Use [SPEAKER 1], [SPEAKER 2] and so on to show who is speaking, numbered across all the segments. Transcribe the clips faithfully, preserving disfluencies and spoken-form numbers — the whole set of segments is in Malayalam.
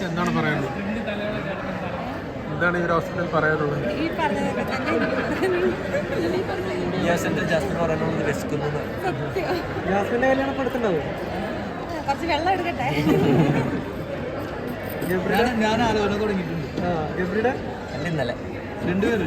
[SPEAKER 1] എന്താണ് പറയാനുള്ളത്? എന്താണ് ഈ ഒരു അവസരത്തിൽ പറയാനുള്ളത്? ജാസ്മിന്റെ കല്യാണം പെടുത്തുണ്ടാവും.
[SPEAKER 2] കുറച്ച് വെള്ളം എടുക്കട്ടെ.
[SPEAKER 1] ഞാൻ ആലോചന തുടങ്ങിയിട്ടുണ്ട്. ഗബ്രിയുടെ
[SPEAKER 3] ഇന്നലെ
[SPEAKER 1] രണ്ടുപേര്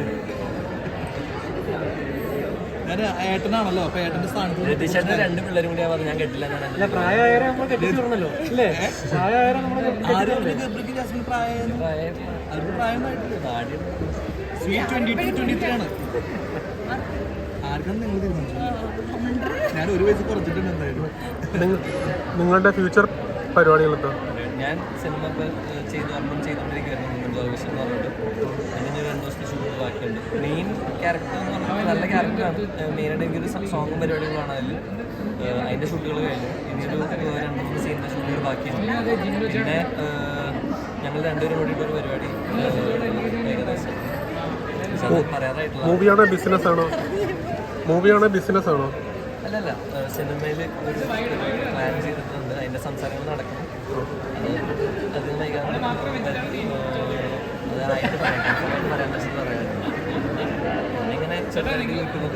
[SPEAKER 1] ഞാൻ ഏട്ടനാണല്ലോ, അപ്പൊ ഏട്ടന്റെ സ്ഥാനത്ത്
[SPEAKER 3] രണ്ട് പിള്ളേരും കൂടി പറഞ്ഞു. ഞാൻ കേട്ടില്ല.
[SPEAKER 1] അല്ല, പ്രായമായവരെ നമ്മൾ കെട്ടിച്ചോർന്നല്ലോ അല്ലേ? പ്രായമായവരെ നമ്മൾ ഗബ്രിക്ക് ജാസ്മിൻ പ്രായം അവർക്ക് പ്രായമായിട്ടില്ല. ട്വന്റി ടു ട്വന്റി ത്രീ ആണ്. ആർക്കാണ് നിങ്ങൾ തീരുമാനിച്ചത്? ഞാൻ ഒരു വയസ്സ് കുറച്ചിട്ടുണ്ട്. എന്തായാലും നിങ്ങളുടെ ഫ്യൂച്ചർ പരിപാടികളൊക്കെ
[SPEAKER 3] ഞാൻ സിനിമ ഇപ്പോൾ ചെയ്തു അമ്മം ചെയ്തുകൊണ്ടിരിക്കുകയായിരുന്നു. ഗോവിഷൻ എന്ന് പറഞ്ഞിട്ട് അതിന് രണ്ട് ദിവസത്തെ ഷൂട്ട് ബാക്കിയുണ്ട്. മെയിൻ ക്യാരക്ടർ എന്ന് പറഞ്ഞാൽ നല്ല ക്യാരക്ടറാണ്. മെയിനായിട്ട് എനിക്കൊരു സോങ്ങും പരിപാടികളാണ് അതിൽ. അതിൻ്റെ ഷൂട്ടുകൾ കഴിഞ്ഞു. ഇനിയൊരു രണ്ട് മൂന്ന് സീനിൻ്റെ ഷൂട്ടുകൾ ബാക്കിയുണ്ട്. പിന്നെ ഞങ്ങൾ രണ്ടുപേരും കൂടിയിട്ട് ഒരു പരിപാടി ഏകദേശം പറയാറായിട്ടുള്ള
[SPEAKER 1] മൂവിയാണോ ബിസിനസ് ആണോ? മൂവിയാണോ ബിസിനസ് ആണോ?
[SPEAKER 3] അല്ലല്ല, സിനിമയിൽ ഒരു പ്ലാൻ ചെയ്തിട്ടുണ്ട്. അതിൻ്റെ സംസാരങ്ങൾ നടക്കണം. അത് വൈകാതെ അതായിട്ട് പറയാൻ പറയാൻ പറ്റുന്നത് പറയാനുണ്ട്. ഇങ്ങനെ ചെറുതായിട്ട് നിൽക്കുന്നത്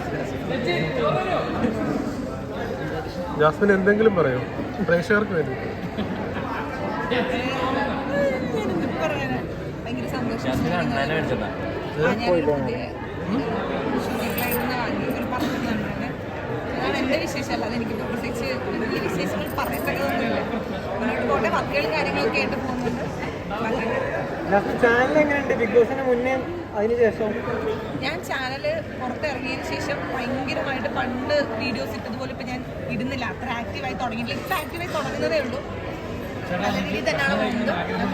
[SPEAKER 1] ജാസ്മിൻ എന്തെങ്കിലും പറയോ പ്രേക്ഷകർക്ക് വേണ്ടി?
[SPEAKER 3] ജാസ്മിൻ അണ്ണാനെ മേടിച്ചതാ.
[SPEAKER 2] എന്റെ വിശേഷമല്ല, അതെനിക്ക് പ്രത്യേകിച്ച് ഈ വിശേഷങ്ങൾ പറയപ്പെട്ടതൊന്നുമില്ല. മുന്നോട്ട് പോട്ടെ, വർക്കുകളും കാര്യങ്ങളൊക്കെ ആയിട്ട് പോകുന്നുണ്ട്.
[SPEAKER 1] ചാനൽ എങ്ങനെയുണ്ട്? ബിഗ് ബോസിന് മുന്നേ അതിന് ശേഷം?
[SPEAKER 2] ഞാൻ ചാനല് പുറത്തിറങ്ങിയതിന് ശേഷം ഭയങ്കരമായിട്ട് പണ്ട് വീഡിയോസ് ഇട്ടതുപോലെ ഇപ്പം ഞാൻ ഇടുന്നില്ല. അത്ര ആക്റ്റീവായി തുടങ്ങിയിട്ടില്ല. ഇപ്പം ആക്റ്റീവായി തുടങ്ങുന്നതേ ഉള്ളൂ. നല്ല രീതിയിൽ തന്നെയാണ് പോകുന്നത്.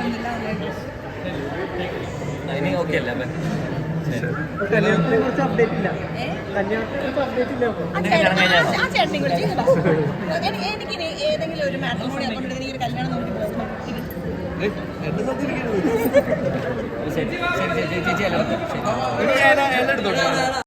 [SPEAKER 3] ഇനി ഓക്കെ അല്ലേ?
[SPEAKER 1] കല്യാണത്തിനെ കുറിച്ച് അപ്ഡേറ്റ് ഇല്ല. കല്യാണത്തിനെ കുറിച്ച് അപ്ഡേറ്റ് ഇല്ല.
[SPEAKER 2] ആ ചേട്ടനെ കുറിച്ച് എനിക്ക് ഏതെങ്കിലും ഒരു മാട്രിമോണി അക്കൗണ്ട് എനിക്ക് ഒരു കല്യാണം നോക്കി പോകുന്നു.
[SPEAKER 3] ശരി ശരി ശരി ചേച്ചി എല്ലാവർക്കും